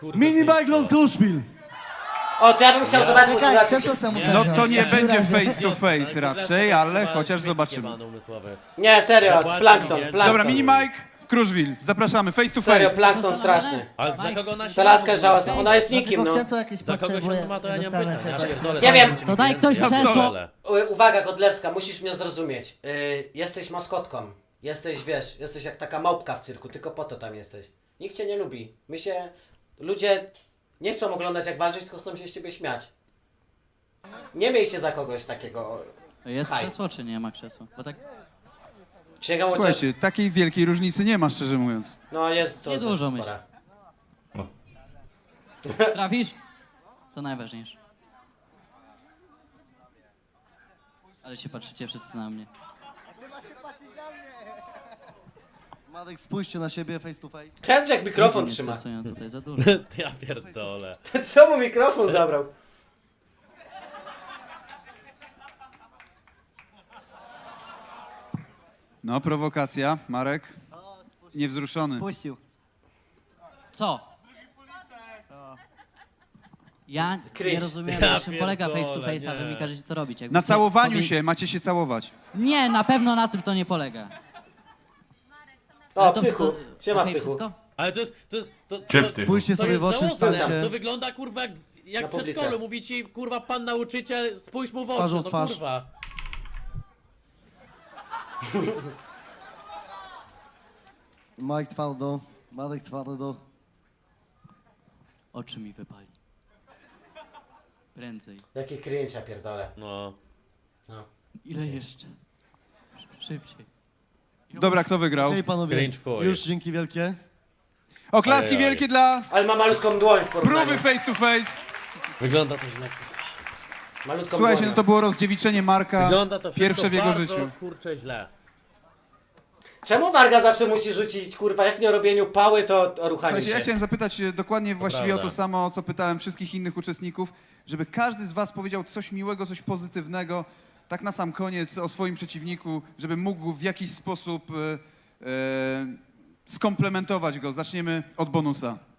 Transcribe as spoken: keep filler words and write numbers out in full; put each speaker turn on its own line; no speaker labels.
Mini Bike Kruszwil.
O, to ja bym chciał zobaczyć, czy
Czekaj,
zobaczyć.
Krzesło muszę
No
wziąć.
to nie będzie
Dobra,
face to face raczej, ale chociaż zobaczymy.
Nie, serio, plankton, plankton.
Dobra, mini Mike, Kruszwil, zapraszamy, face to
Serio,
face.
plankton straszny.
Ale za kogo ona się
Ta laska
ma,
żałosna,
kurwa?
ona jest
Tylko
nikim, no.
krzesło jakieś
Za kogo
potrzebuję.
się ma, to ja nie mam
Dostanę
pytań. Ja
chyba.
pierdolę,
Nie wiem.
dajcie mi
To daj ktoś
więcej.
krzesło.
pierdolę.
U- Uwaga, Godlewska, musisz mnie zrozumieć. Yy, jesteś maskotką. Jesteś, wiesz, jesteś jak taka małpka w cyrku, tylko po to tam jesteś. Nikt cię nie lubi. My się... Ludzie nie chcą oglądać jak walczyć, tylko chcą się z ciebie śmiać. Nie miej się za kogoś takiego.
Jest
Haj.
krzesło czy nie ma krzesła? Bo tak
Sięgam o ciebie.
Słuchajcie, takiej wielkiej różnicy nie ma, szczerze mówiąc.
No jest to
Nie dużo,
spora.
trafisz? To najważniejsze. Ale się patrzycie wszyscy na mnie.
Madek, spójrzcie na siebie face to face.
Kręć jak mikrofon
Mnie
trzyma.
stresują tutaj za dużo.
Ja pierdolę.
Co mu mikrofon zabrał?
No, prowokacja, Marek. Niewzruszony.
Puścił.
Co? Ja
Cringe.
nie rozumiem,
Ja
na czym polega face to
pierdolę,
face, a wy
nie.
mi każecie to robić. Jakby
Na
to
całowaniu
powie-
się, macie się całować.
Nie, na pewno na tym to nie polega.
O,
Ale to-
Ptychu.
to-
Siema,
okej,
Ptychu.
wszystko?
Ale to jest, to jest, to, to,
Gdzie
to,
ty?
Spójrzcie
to
sobie
jest
w oczy,
żałosne.
stańcie.
To wygląda kurwa jak, jak
Na
w
publice.
przedszkolu. Mówi ci kurwa pan nauczyciel, spójrz mu w oczy,
Twarzą w
no
twarz.
kurwa.
Mike twardo, Madek twardo.
Oczy mi wypali. Prędzej.
Jaki cringe, ja pierdolę.
No.
No.
Ile jeszcze? Szybciej.
Dobra, kto wygrał?
Okej, panowie,
Cringe w chuj.
już dzięki wielkie.
Oklaski
Ajajaj.
wielkie dla
Ale ma malutką dłoń w porównaniu.
próby face to face.
Wygląda to źle.
Malutką
Słuchajcie,
dłoń.
no to było rozdziewiczenie Marka,
Wygląda to wszystko
pierwsze w jego
bardzo,
życiu.
kurczę źle.
Czemu Warga zawsze musi rzucić, kurwa, jak nie o robieniu pały, to o ruchaniu
Słuchajcie,
się?
ja chciałem zapytać e, dokładnie właściwie o to
prawda.
samo, co pytałem wszystkich innych uczestników, żeby każdy z was powiedział coś miłego, coś pozytywnego, tak na sam koniec o swoim przeciwniku, żeby mógł w jakiś sposób e, e, skomplementować go. Zaczniemy od bonusa.